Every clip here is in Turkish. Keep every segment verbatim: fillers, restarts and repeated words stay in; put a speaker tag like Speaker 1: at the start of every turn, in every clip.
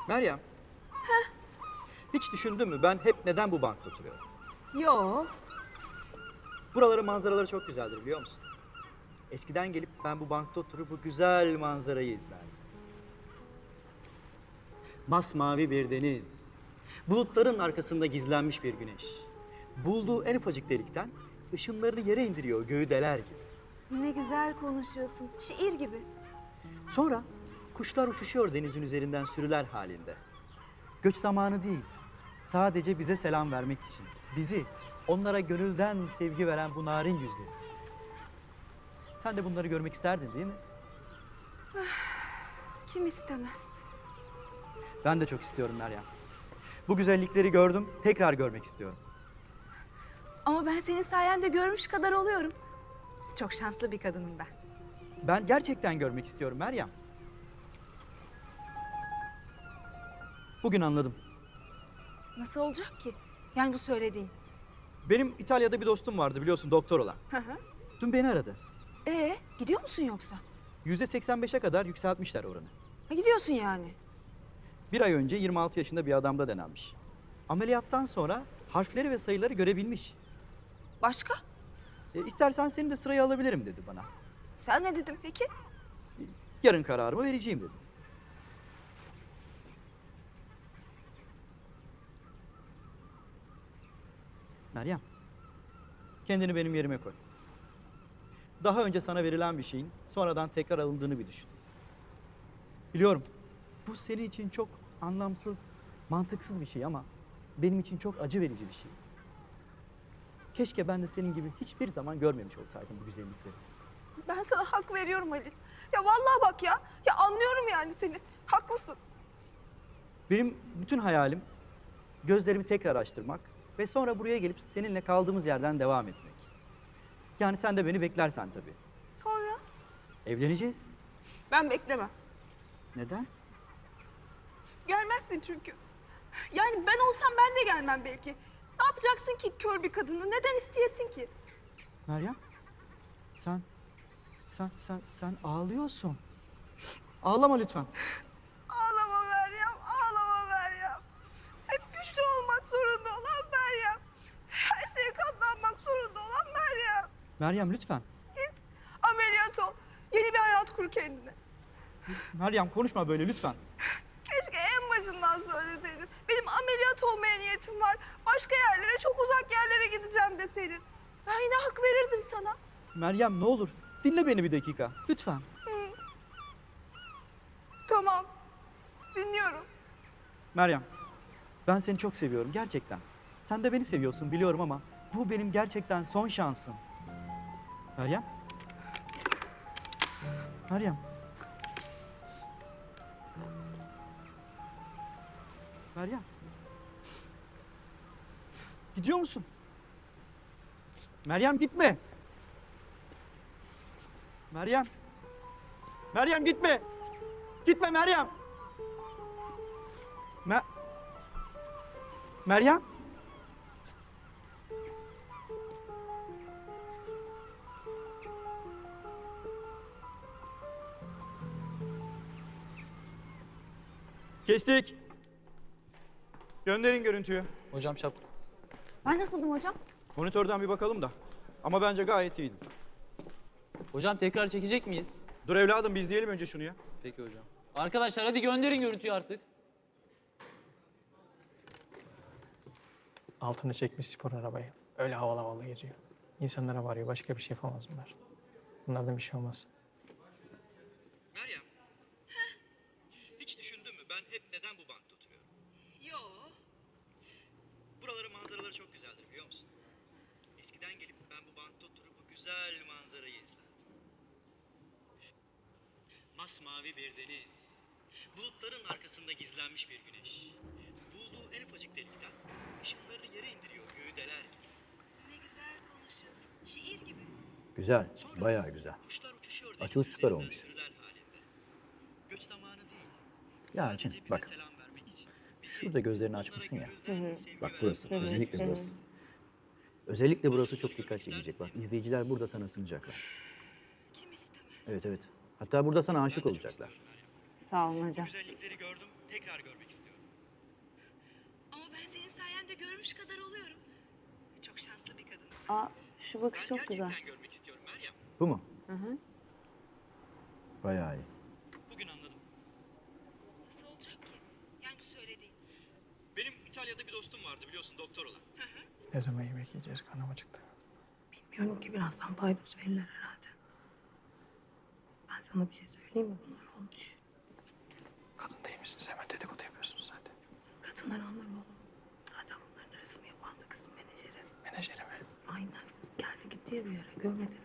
Speaker 1: Meryem. Hiç düşündün mü ben hep neden bu bankta oturuyorum?
Speaker 2: Yo.
Speaker 1: Buraların manzaraları çok güzeldir biliyor musun? Eskiden gelip ben bu bankta oturup bu güzel manzarayı izlerdim. Masmavi bir deniz, bulutların arkasında gizlenmiş bir güneş. Bulduğu en ufacık delikten ışınlarını yere indiriyor göğü deler gibi.
Speaker 2: Ne güzel konuşuyorsun. Şiir gibi.
Speaker 1: Sonra kuşlar uçuşuyor denizin üzerinden sürüler halinde. Göç zamanı değil, sadece bize selam vermek için. Bizi, onlara gönülden sevgi veren bu narin yüzlerimiz. Sen de bunları görmek isterdin değil mi?
Speaker 2: Kim istemez?
Speaker 1: Ben de çok istiyorum Meryem. Bu güzellikleri gördüm, tekrar görmek istiyorum.
Speaker 2: Ama ben senin sayende görmüş kadar oluyorum. Çok şanslı bir kadınım ben.
Speaker 1: Ben gerçekten görmek istiyorum Meryem. Bugün anladım.
Speaker 2: Nasıl olacak ki? Yani bu söylediğin.
Speaker 1: Benim İtalya'da bir dostum vardı biliyorsun doktor olan.
Speaker 2: Hı hı.
Speaker 1: Dün beni aradı.
Speaker 2: Ee, gidiyor musun yoksa?
Speaker 1: yüzde seksen beşe kadar yükseltmişler oranı.
Speaker 2: Ha, gidiyorsun yani.
Speaker 1: Bir ay önce yirmi altı yaşında bir adamda denenmiş. Ameliyattan sonra harfleri ve sayıları görebilmiş.
Speaker 2: Başka?
Speaker 1: E, istersen seni de sıraya alabilirim dedi bana.
Speaker 2: Sen ne dedin peki?
Speaker 1: Yarın kararımı vereceğim dedi. Meryem, kendini benim yerime koy. Daha önce sana verilen bir şeyin sonradan tekrar alındığını bir düşün. Biliyorum, bu senin için çok anlamsız, mantıksız bir şey ama benim için çok acı verici bir şey. Keşke ben de senin gibi hiçbir zaman görmemiş olsaydım bu güzellikleri.
Speaker 2: Ben sana hak veriyorum Ali. Ya vallahi bak ya. Ya anlıyorum yani seni. Haklısın.
Speaker 1: Benim bütün hayalim gözlerimi tekrar açtırmak ve sonra buraya gelip seninle kaldığımız yerden devam etmek. Yani sen de beni beklersen tabii.
Speaker 2: Sonra?
Speaker 1: Evleneceğiz.
Speaker 2: Ben beklemem.
Speaker 1: Neden?
Speaker 2: Gelmezsin çünkü. Yani ben olsam ben de gelmem belki. Ne yapacaksın ki kör bir kadını? Neden isteyesin ki?
Speaker 1: Meryem, sen, sen, sen, sen ağlıyorsun. Ağlama lütfen.
Speaker 2: Ağlama Meryem, ağlama Meryem. Hep güçlü olmak zorunda olan Meryem. Her şeye katlanmak zorunda olan Meryem.
Speaker 1: Meryem lütfen.
Speaker 2: Git ameliyat ol. Yeni bir hayat kur kendine.
Speaker 1: Meryem konuşma böyle lütfen.
Speaker 2: Keşke en başından söyleseydin. Benim ameliyat olmaya niyetim var. Başka yerlere, çok uzak yerlere gideceğim deseydin. Ben yine hak verirdim sana.
Speaker 1: Meryem ne olur dinle beni bir dakika lütfen.
Speaker 2: Tamam. Dinliyorum.
Speaker 1: Meryem, ben seni çok seviyorum gerçekten. Sen de beni seviyorsun biliyorum ama bu benim gerçekten son şansım. Meryem? Meryem? Meryem? Gidiyor musun? Meryem gitme. Meryem. Meryem gitme. Gitme Meryem. Me Meryem? Kestik. Gönderin görüntüyü.
Speaker 3: Hocam şap.
Speaker 2: Ben nasıldım hocam?
Speaker 1: Monitörden bir bakalım da. Ama bence gayet iyiydi.
Speaker 3: Hocam tekrar çekecek miyiz?
Speaker 1: Dur evladım bir izleyelim önce şunu ya.
Speaker 3: Peki hocam. Arkadaşlar hadi gönderin görüntüyü artık.
Speaker 4: Altını çekmiş spor arabayı. Öyle havalı havalı geziyor. İnsanlara varıyor. Başka bir şey yapamaz bunlar. Bunlardan bir şey olmaz.
Speaker 1: Meryem. Hiç düşündün mü ben hep neden bu bankta oturuyorum?
Speaker 2: Yo.
Speaker 1: Buraların manzaraları çok güzeldir biliyor musun? Eskiden gelip ben bu bankta oturup bu güzel manzarayı izlerdim. Masmavi bir deniz, bulutların arkasında gizlenmiş bir güneş. Bulduğu en ufacık delikten ışınlarını yere indiriyor göğü deler gibi.
Speaker 2: Ne güzel konuşuyorsun. Şiir gibi.
Speaker 5: Güzel, bayağı güzel.
Speaker 1: Kuşlar uçuşuyor
Speaker 5: Açılış
Speaker 1: denizin
Speaker 5: süper
Speaker 1: üzerinden
Speaker 5: olmuş.
Speaker 1: sürüler halinde. Göç zamanı değil.
Speaker 5: Ya
Speaker 1: Sadece
Speaker 5: Elçin,
Speaker 1: bize
Speaker 5: bak.
Speaker 1: selam vermek için. Bizi,
Speaker 5: Şurada gözlerini
Speaker 1: onlara
Speaker 5: açmışsın ya.
Speaker 1: gönülden sevgi
Speaker 5: Bak
Speaker 1: veren
Speaker 5: burası,
Speaker 1: bu narin
Speaker 5: özellikle
Speaker 1: yüzlerimiz.
Speaker 5: burası. Özellikle burası çok dikkat çekecek bak. İzleyiciler burada sana ısınacaklar.
Speaker 2: Kim istemez?
Speaker 5: Evet evet. Hatta burada sana aşık olacaklar.
Speaker 2: Sağ olun hocam.
Speaker 1: Güzellikleri gördüm, tekrar görmek istiyorum.
Speaker 2: görmüş kadar oluyorum. Çok şanslı bir kadın.
Speaker 6: Aa, şu bakış çok güzel.
Speaker 5: Bu mu?
Speaker 6: Hı hı.
Speaker 5: Bayağı iyi.
Speaker 1: Bugün anladım.
Speaker 2: Nasıl olacak ki? Yani bu söylediğin.
Speaker 1: Benim İtalya'da bir dostum vardı biliyorsun doktor olan.
Speaker 4: Ne zaman yemek yiyeceğiz? Karnım acıktı.
Speaker 6: Bilmiyorum ki birazdan paydos verirler herhalde. Ben sana bir şey söyleyeyim mi? Bunlar olmuş.
Speaker 4: Kadın değil misiniz? Hemen dedikodu yapıyorsunuz zaten.
Speaker 6: Kadınlar anlar oğlum. Zaten bunların arasını yapan da kızın menajeri.
Speaker 4: Menajeri mi?
Speaker 6: Aynen. Geldi gitti ya bir yere. Görmedin mi?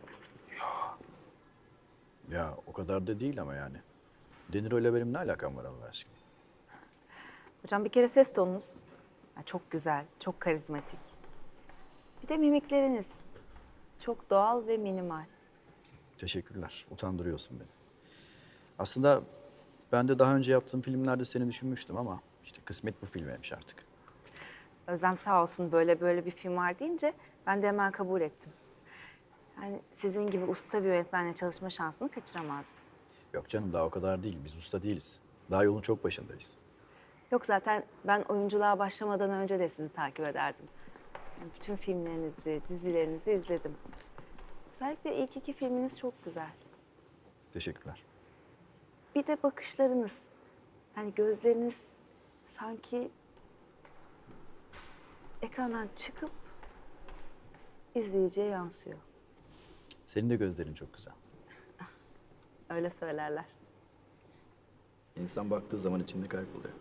Speaker 7: Ya o kadar da değil ama yani. Deniro ile benim ne alakam var Allah aşkına?
Speaker 6: Hocam bir kere ses tonunuz ya çok güzel, çok karizmatik. Bir de mimikleriniz çok doğal ve minimal.
Speaker 7: Teşekkürler. Utandırıyorsun beni. Aslında ben de daha önce yaptığım filmlerde seni düşünmüştüm ama işte kısmet bu filmeymiş artık.
Speaker 6: Özlem sağ olsun böyle böyle bir film var deyince ben de hemen kabul ettim. Yani sizin gibi usta bir yönetmenle çalışma şansını kaçıramazdım.
Speaker 7: Yok canım daha o kadar değil. Biz usta değiliz. Daha yolun çok başındayız.
Speaker 6: Yok zaten ben oyunculuğa başlamadan önce de sizi takip ederdim. Yani bütün filmlerinizi, dizilerinizi izledim. Özellikle ilk iki filminiz çok güzel.
Speaker 7: Teşekkürler.
Speaker 6: Bir de bakışlarınız. Yani gözleriniz sanki ekrandan çıkıp izleyiciye yansıyor.
Speaker 7: Senin de gözlerin çok güzel.
Speaker 6: Öyle söylerler.
Speaker 7: İnsan baktığı zaman içinde kayboluyor.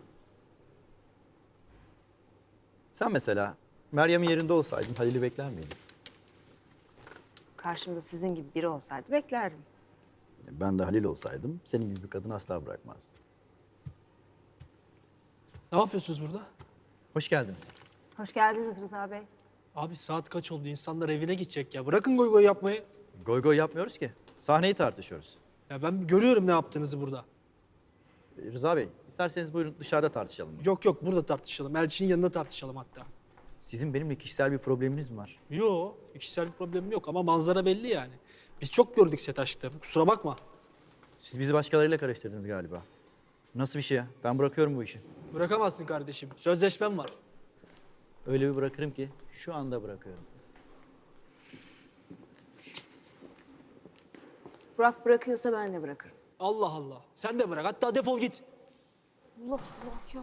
Speaker 7: Sen mesela Meryem'in yerinde olsaydın Halil'i bekler miydin?
Speaker 6: Karşımda sizin gibi biri olsaydı beklerdim.
Speaker 7: Ben de Halil olsaydım senin gibi bir kadını asla bırakmazdım.
Speaker 8: Ne yapıyorsunuz burada?
Speaker 7: Hoş geldiniz.
Speaker 6: Hoş geldiniz Rıza Bey.
Speaker 8: Abi saat kaç oldu? İnsanlar evine gidecek ya. Bırakın goy goy yapmayı.
Speaker 7: Goy goy yapmıyoruz ki. Sahneyi tartışıyoruz.
Speaker 8: Ya ben görüyorum ne yaptığınızı burada.
Speaker 7: Ee, Rıza Bey, isterseniz buyurun dışarıda tartışalım.
Speaker 8: Yok yok burada tartışalım. Elçinin yanında tartışalım hatta.
Speaker 7: Sizin benimle kişisel bir probleminiz mi var?
Speaker 8: Yo, kişisel bir problemim yok ama manzara belli yani. Biz çok gördük set aşkta. Kusura bakma.
Speaker 7: Siz bizi başkalarıyla karıştırdınız galiba. Nasıl bir şey ya? Ben bırakıyorum bu işi.
Speaker 8: Bırakamazsın kardeşim. Sözleşmem var.
Speaker 7: Öyle bir bırakırım ki şu anda bırakıyorum.
Speaker 6: Burak bırakıyorsa ben de bırakırım.
Speaker 8: Allah Allah. Sen de bırak. Hatta defol git.
Speaker 6: Allah Allah ya.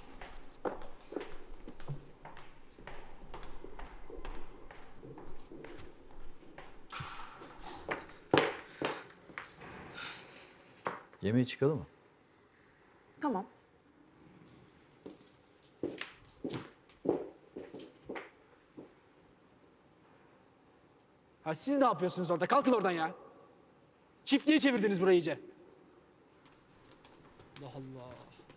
Speaker 7: Yemeğe çıkalım mı?
Speaker 6: Tamam.
Speaker 8: Ha siz ne yapıyorsunuz orada? Kalkın oradan ya. Çiftliğe çevirdiniz burayı iyice. Allah Allah.